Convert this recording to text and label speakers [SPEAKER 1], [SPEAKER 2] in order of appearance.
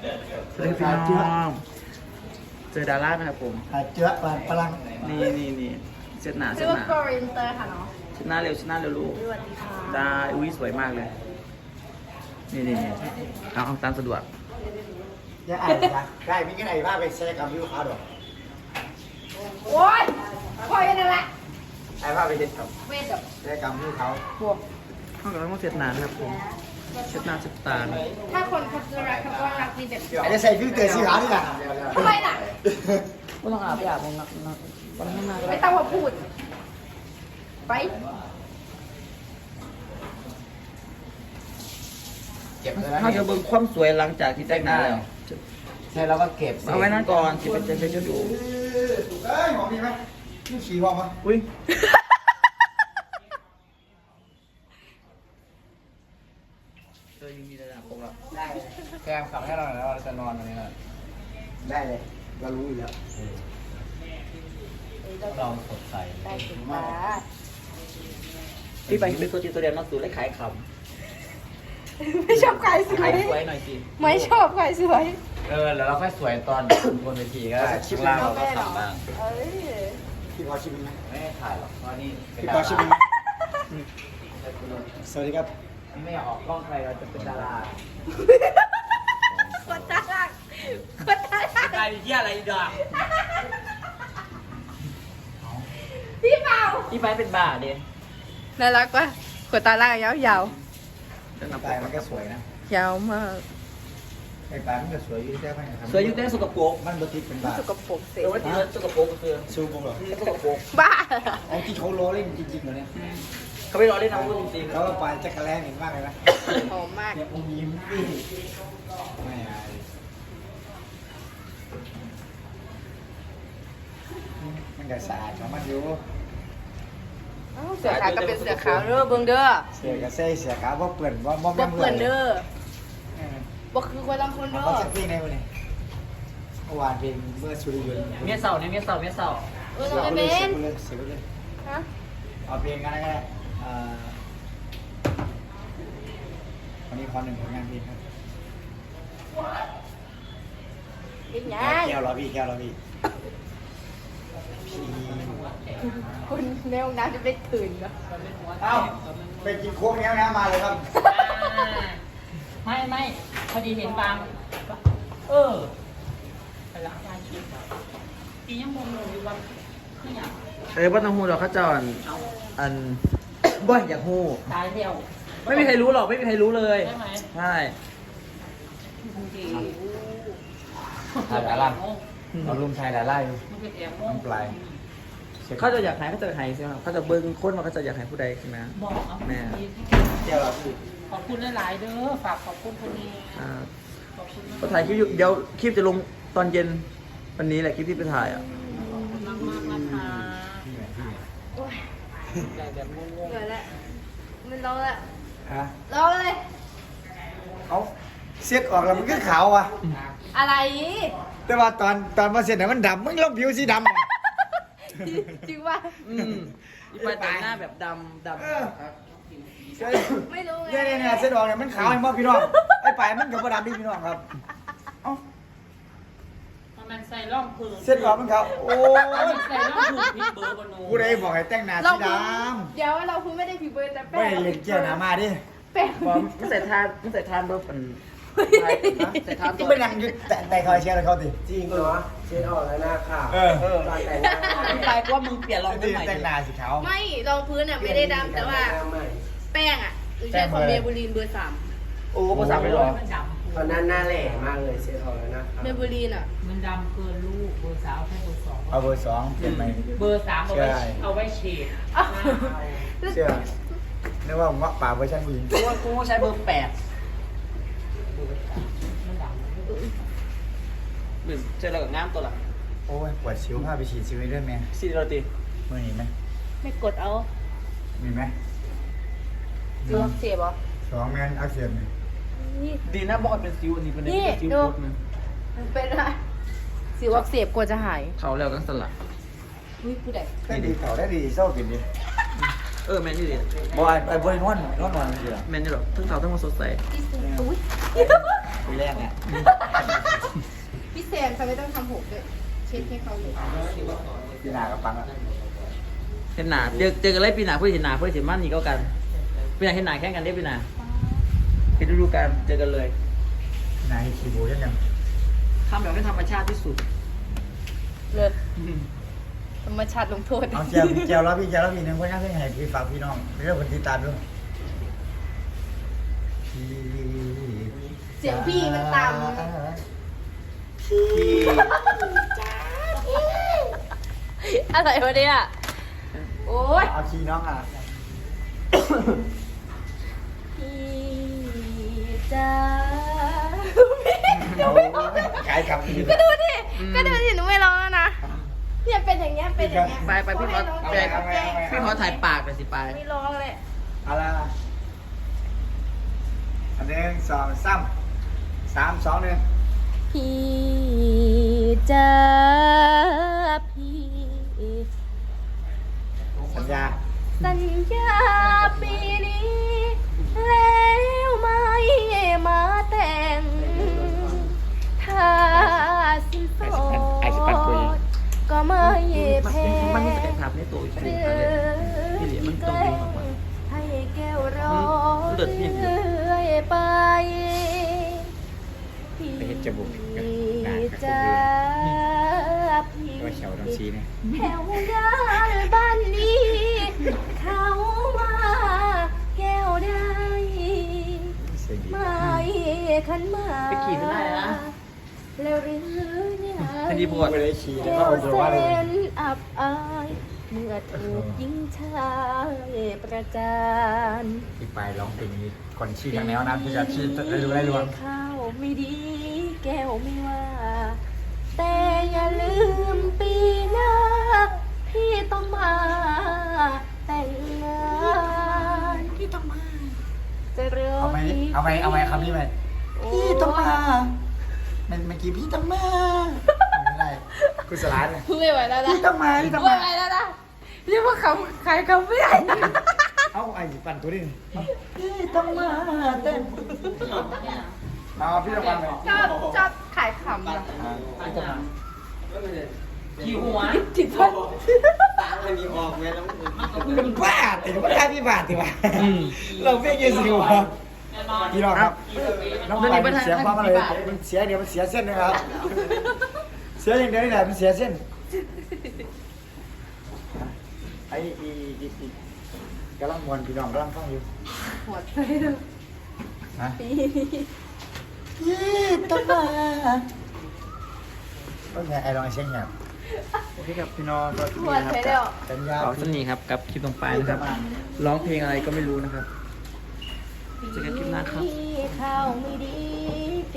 [SPEAKER 1] สวัสดีพี่น้องเจอดาราไหมครับผม
[SPEAKER 2] เจือพลัง
[SPEAKER 1] นี่เช็ดหน้า
[SPEAKER 3] ชื่อว่า โกรินเตอร์ค่ะเนาะ
[SPEAKER 1] เช็ดหน้าเร็วลูก
[SPEAKER 3] สวัสดีค่ะ
[SPEAKER 1] ได้อุ้ยสวยมากเลยนี่เอาตามสะดวก
[SPEAKER 2] ยังอ่านนะได้มีกันไหนบ้างไปแซ่กับยูคาดอก
[SPEAKER 3] โอ๊ยคอยนั่นแหละ
[SPEAKER 2] ไอ้บ้าไปเด็ดกับ
[SPEAKER 3] เวทกับ
[SPEAKER 2] แซ่กับยูเขา
[SPEAKER 3] พวก
[SPEAKER 1] เข้ากับต้องเช็ดหน้านะครับผมเช็ดหน้าเช็ดตา
[SPEAKER 3] ถ้าคนเขาจะรักเขาก็รักดีแบบ
[SPEAKER 2] ไอ้ใส่ฟิลเตอร์สีขาวนี่แหละ
[SPEAKER 3] ทำไมล่ะ
[SPEAKER 1] ก็ต้องอาบไปอาบนักวันข้างหน้าก็
[SPEAKER 3] ไม่
[SPEAKER 1] ได้
[SPEAKER 3] ต้องมาพูด ไป
[SPEAKER 2] เก็บเลยนะ
[SPEAKER 1] ถ้าจะเบิ่งความสวยหลังจากที่แต่งหน้าแล้ว
[SPEAKER 2] ใช่แล้วก็เก็บ
[SPEAKER 1] เอาไว้นั่นก่อนจะเป็นจะดู
[SPEAKER 2] เอ้ยหอมดีไหมนี่ฉี่หอมปะ
[SPEAKER 1] อุ้ยยังมีระดับผมละ
[SPEAKER 2] ได้แกมขับให้เราหน่อยแล้วเราจะนอนตรงนี้หน่อยได้เลยเรารู้อยู่แล้วเราสดใส
[SPEAKER 3] ได้ถึงมา
[SPEAKER 1] พี่ไปเป็นตัวจริงตัวเดียวนักสูและขายค
[SPEAKER 3] ไม่ชอบใครส
[SPEAKER 1] ำ
[SPEAKER 3] ว
[SPEAKER 1] ขาย
[SPEAKER 3] ย
[SPEAKER 1] สวยหน่อยสิ
[SPEAKER 3] ไม่ชอบใครสวย
[SPEAKER 2] แล้วเราค่อยสวยตอนบนเวทีก็ได้ชิป
[SPEAKER 1] ล่างเราก็ทำบ้าง
[SPEAKER 3] เอ้ย
[SPEAKER 2] พี่พอชิมไหมไม่ถ่ายหรอกเพราะนี่
[SPEAKER 1] พี่พอชิม
[SPEAKER 2] สวัสดีครับ
[SPEAKER 1] ไม่อยากออกกล้องใครเราจะเป็นดารา
[SPEAKER 3] คนตาลักคนตาลัก
[SPEAKER 1] ใครเยี่ยอะไรดอก
[SPEAKER 3] พี่เมา
[SPEAKER 1] พี่ไปเป็นบ้าดิ
[SPEAKER 3] น่ารักปะคนตาลักยาว
[SPEAKER 2] ปลายมันก็สวยนะ
[SPEAKER 3] ๆยาวมาก
[SPEAKER 2] ไอ้ปลายมันก็สวยอยู่ได้ไหมครับ
[SPEAKER 1] สวยอยู่แต่สกปรก
[SPEAKER 2] มันบติดเป็นบา
[SPEAKER 3] สกปรกเสร็จ
[SPEAKER 1] เออว่าที่สกปรกก็คือ
[SPEAKER 2] ซูมหรอ
[SPEAKER 1] สกปรก
[SPEAKER 3] บ้า
[SPEAKER 2] ไอ้ที่เขาล้อเล่นจริงๆเหรอเนี่ย
[SPEAKER 1] เขาไม่รอเล่นนะพูดจริงๆ
[SPEAKER 2] แล้วก็ปลายจักรแลเห็นมากเลยนะ
[SPEAKER 3] หอมมาก
[SPEAKER 2] เนี่ยองยิ้มพี่ไม่อายมันก็สะอาดของมันอยู่
[SPEAKER 3] เสือขาวก็เป็นเสือขาวเด้อเบิ่งเด้อ
[SPEAKER 2] เสียกับเซ่เสียขาว่าเปื่อนว่าบ่
[SPEAKER 3] บ่
[SPEAKER 2] แม่น
[SPEAKER 3] เปื่อนเด้อบ่คือคนลำพูน
[SPEAKER 2] เอา
[SPEAKER 3] เด้อ
[SPEAKER 2] สักเพลงในวันนี้เมื่อวานเพลงเมื่อสุริยนต์
[SPEAKER 1] เมียเสาเนี่ยเมียเสา
[SPEAKER 3] เราไม่เป็น
[SPEAKER 2] เสียไปเลย
[SPEAKER 3] ฮะ
[SPEAKER 2] เอาเพลงกันก็ได้วันนี้ขอหนึ่งผลงานเพลงครับ
[SPEAKER 3] เป็นหยั
[SPEAKER 2] แก้
[SPEAKER 3] ง
[SPEAKER 2] วรอพี่แก้วรอพี่พี่
[SPEAKER 3] คุณแนวน้ำจะไปตื่นเหรอ
[SPEAKER 2] เอ้าไปกินโค้กแก้วน้ำมาเลยครับ
[SPEAKER 4] ไม่พอดีเห็นบางไปล้างจานคิดปียังงงอยู่ว่าไม่อยาก
[SPEAKER 1] ว่าต้องหูดอกข้าจรอันบ่อยอยากหู
[SPEAKER 4] ตายเดียว
[SPEAKER 1] ไม่มีใครรู้หรอกไม่มีใครรู้เลย
[SPEAKER 4] ใช่ไหม
[SPEAKER 1] ใช่
[SPEAKER 4] ดี
[SPEAKER 2] ถ่ายดาราเราลุมถ่ายดาราอยู่
[SPEAKER 4] มันเป็นแอบ
[SPEAKER 2] น้ำปลาย
[SPEAKER 1] เขาจะอยากหายเขาจะหายใช่ไหมครับเขาจะเบิ้งคนว่าเขาจะอยากหายผู้ใดใช่ไหม
[SPEAKER 4] บอกเอา
[SPEAKER 1] แม่
[SPEAKER 2] แก้วรอพี่
[SPEAKER 4] ขอบคุณหลายๆเด้อฝากขอบคุณคนนี้
[SPEAKER 1] อ่า
[SPEAKER 4] ขอบคุณ
[SPEAKER 1] ก็ถ่ายคลิปอยู่เดี๋ยวคลิปจะลงตอนเย็นวันนี้แหละคลิปที่ไปถ่ายอ่ะ
[SPEAKER 4] มากนะคะ
[SPEAKER 2] พี่ไหนพี่ไหน
[SPEAKER 4] ใหญ่แบบงง
[SPEAKER 3] เหนื่อยแล้วมันร้องแล้ว
[SPEAKER 2] ฮะ
[SPEAKER 3] ร้องเลย
[SPEAKER 2] เขาเซ็ตออกแล้วมันก็ขาวอ่ะ
[SPEAKER 3] อะไร
[SPEAKER 2] แต่ว่าตอนมาเซ็ตเนี่ยมันดำมึงลบผิวสีดำอะ
[SPEAKER 3] จริงว่า
[SPEAKER 1] อีไปแต่งหน้าแบบดำ
[SPEAKER 2] เออ
[SPEAKER 3] ไม่รู้ไง
[SPEAKER 2] เนี่ยเซ็ตออกเนี่ยมันขาวเห็นป่ะพี่น้องไอ้ปลายมันกับดำพี่น้องครับเอ้า
[SPEAKER 4] มันใส่ร่องพื้น
[SPEAKER 2] เซ็ตออกมันขาวโอ้ย
[SPEAKER 4] ใส่ร่องพื้นพิษเบอร์บนโน้
[SPEAKER 2] กูได้บอกให้แต่งหน้า
[SPEAKER 3] เรา
[SPEAKER 2] สีด
[SPEAKER 3] เดี๋ยวเราพูดไม่ได้ผิวเบอร์แต่
[SPEAKER 2] ำ
[SPEAKER 3] แป้
[SPEAKER 2] ไม่
[SPEAKER 3] ง
[SPEAKER 2] เล่นเกี่ยวหนามาดิ
[SPEAKER 3] แป้ง
[SPEAKER 1] บอมไม่ใส่ทานไม่ใส่ทานรถมันใส่ทาน
[SPEAKER 2] ที่ไม่ยังยึดแต่คอยเชียร์เลยเขาดิ
[SPEAKER 5] จริงเหรอเช็ดออกแล้วหน้าขาว
[SPEAKER 2] เออ
[SPEAKER 5] ตอนแต่งหน้า
[SPEAKER 1] พี่ไปว่ามึงเปลี่ยนรองพื้นใหม่
[SPEAKER 2] แต่งหน้าสีขาว
[SPEAKER 3] ไม่รองพื้นอ่ะไม่ได้ดำแต่ว่า
[SPEAKER 5] หน้ใหม่
[SPEAKER 3] แป้งอ่ะหรือใช้ของเมเบลีนเบอร์3
[SPEAKER 1] โอ้ภาษาไม่หรอ
[SPEAKER 4] มันดำ
[SPEAKER 5] ตอนนั้นหน้าแหล่มากเลยเช็ดออกแล้วหน้าขาว
[SPEAKER 3] เมเบลีนอ่ะ
[SPEAKER 4] มันดำเกินลูกเบอร์สาวแค่เบอร์สอง
[SPEAKER 2] เอาเบอร์สองเปลี่ยนใหม่
[SPEAKER 4] เบอร์สามเอาไว้เฉด
[SPEAKER 2] เชื่อนึกว่าผมว่าป่าเวอร์ชันผู้หญิง
[SPEAKER 1] กูใช้เบอร์8หรือเจอเรากับงามตัวละ
[SPEAKER 2] โอ้ยปวดชิวพาไปฉีดซิวด้วยไหม
[SPEAKER 1] ซีโรตี
[SPEAKER 2] มือหนีไหม
[SPEAKER 3] ไม่กดเอา
[SPEAKER 2] มีไหม
[SPEAKER 3] ดูเสียบเหรอ
[SPEAKER 2] สองแมนอักเสบ
[SPEAKER 3] นี่
[SPEAKER 1] ดีนะบอกเป็นซิวอันนี้เป็นซิว
[SPEAKER 3] ดู
[SPEAKER 1] ปุ๊บนึง
[SPEAKER 3] มันเป็นอะไรสิวอักเสบกลัวจะหาย
[SPEAKER 1] เขาแล้วก็สลัด
[SPEAKER 3] อุ้ยผู้ใด
[SPEAKER 2] ได้ดีเขาได้ดีเศร้ากินดี
[SPEAKER 1] แมนนี่ดิ
[SPEAKER 2] บอยไอ้บอยนวดนอนดีอ่ะ
[SPEAKER 1] แมนนี่หรอทั้งเขาทั้งมาสดใส
[SPEAKER 3] อุ้ย
[SPEAKER 2] ปีแรกเนี่ย
[SPEAKER 3] แซมเขาไม่ต้องทำผมด้วยเช็ดให้เขาเลย
[SPEAKER 2] พี่นากับปังอ่ะ
[SPEAKER 1] เห็นหนาเจอกันเลยปีหนาเพื่อนเห็นหนาเพื่อนเห็นมั่นนี่ก็กันปีหนาเห็นหนาแข่งกันได้ปีหนาเห็นดูกันเจอกันเลย
[SPEAKER 2] นายขี่บูยัง
[SPEAKER 1] ทำแบบไม่ธรรมชาติที่สุด
[SPEAKER 3] เลิศธรรมชาติลงโทษ
[SPEAKER 2] เอาเจียวแล้วพี่หนึ่งก็ยังให้พี่ฝากพี่น้องเรื่องคนติดตามด้วย
[SPEAKER 3] เสียงพี่มันต่ำ อะไรวะเนี่ยโอ๊ย
[SPEAKER 2] เอาขี่น้องอ่ะ
[SPEAKER 3] พี่จ้า
[SPEAKER 2] ขายคำนี้
[SPEAKER 3] ก็ดูดิหนูไม่ร้องแล้วนะเนี่ยเป็นอย่างเงี้ยเป็นอย่างเงี้ย
[SPEAKER 1] ไปพี่มอสไปพี่มอสถ่ายปากไปสิไป
[SPEAKER 3] ไม่ร้องเลย
[SPEAKER 2] อะไรอันหนึ่งสองสามสามสองหนึ่ง
[SPEAKER 3] พี่จ้าพี่
[SPEAKER 2] สัญญา
[SPEAKER 3] สัญญาปีนี้แล้วไม่มาแต่งถ้าสินสอดก็ไม่แพง
[SPEAKER 1] มันนี่จะถามในตัวอีกทีนี่เหลี่ยมันต้องดึงออกมา
[SPEAKER 3] ให้แก้วร้อ
[SPEAKER 1] เลือดเนี่ย
[SPEAKER 3] เรื่อยไป
[SPEAKER 2] ไปเห็นจมูก
[SPEAKER 3] พี่จ้าพี่
[SPEAKER 2] ตัวเขียวต้องชี้เนี่ย
[SPEAKER 3] แถวด้านบ้านนี้ เขาว่าแก้วได้
[SPEAKER 2] เสียงดี
[SPEAKER 3] ไม่ขันมา
[SPEAKER 1] ไปขี่ไม่ได้นะ
[SPEAKER 3] แล้วหรือเนี่ย
[SPEAKER 1] ทันทีปวด
[SPEAKER 2] ไม่ได้ชี้แล้ว
[SPEAKER 3] แก้
[SPEAKER 2] ก็
[SPEAKER 3] ว
[SPEAKER 2] เอาตัว
[SPEAKER 3] เส้
[SPEAKER 2] ว่าเลย
[SPEAKER 3] นอับอายเมื่อถูกยิงชายประจาน
[SPEAKER 2] อีกไปร้องเพลงนี้คนชี้ทางแนวนั้นที่จะชี้ได้รู้ได้รวม
[SPEAKER 3] ข้าวไม่ดีแก้วไม่ว่า แต่อย่าลืมปีหน้า พี่ต้องมาแต่งงานพี่ต้องมาจะเริ่ม
[SPEAKER 2] เอาไหมคำนี้ไหมพี่ต้องมาเมื่อกี้พี่ต้องมาไม่ได้กุศลาเนี่ย
[SPEAKER 3] ไม่ไหวแล้วนะ
[SPEAKER 2] พี่ต้องมาพี่ต้อง
[SPEAKER 3] ไม่
[SPEAKER 2] มา
[SPEAKER 3] ไหวแล้วนะเรียกว่าเขาขายเขาไม่ได้
[SPEAKER 2] เอาไอ้ปั่นตัวนี้พี่ต้องมาเต้นเอาพี่ต้องมาเลย
[SPEAKER 3] ชอบขายขำอะ
[SPEAKER 1] ขี่หัว
[SPEAKER 3] จิตพัน
[SPEAKER 2] เป็นบ้าแต่ไม่ได้พี่บาทดีกว่าเราเพี้ยนเยสิวะพี่น้องครับน้องไปมันเสียความอะไรมันเสียเดี๋ยวมันเสียเส้นนะครับเสียอย่างเดียวนี่แหละมันเสียเส้นไอ้กำลังมวนพี่น้องกำลังฟังอยู่
[SPEAKER 3] หัวใจเลย
[SPEAKER 2] นะ
[SPEAKER 3] ปี
[SPEAKER 2] พี่ต้องมาก็ไงไอ้ลองเช็คเนี่ยโอเคครับพี่น้องก็
[SPEAKER 3] หัวใจเดียว
[SPEAKER 2] สัญญา
[SPEAKER 1] ขอสนีครับกับคลิปตรงปลายนะครับ ร้องเพลงอะไรก็ไม่รู้นะครับเจอกันคลิปหน้าครับ
[SPEAKER 3] พี่ข้าวไม่ดี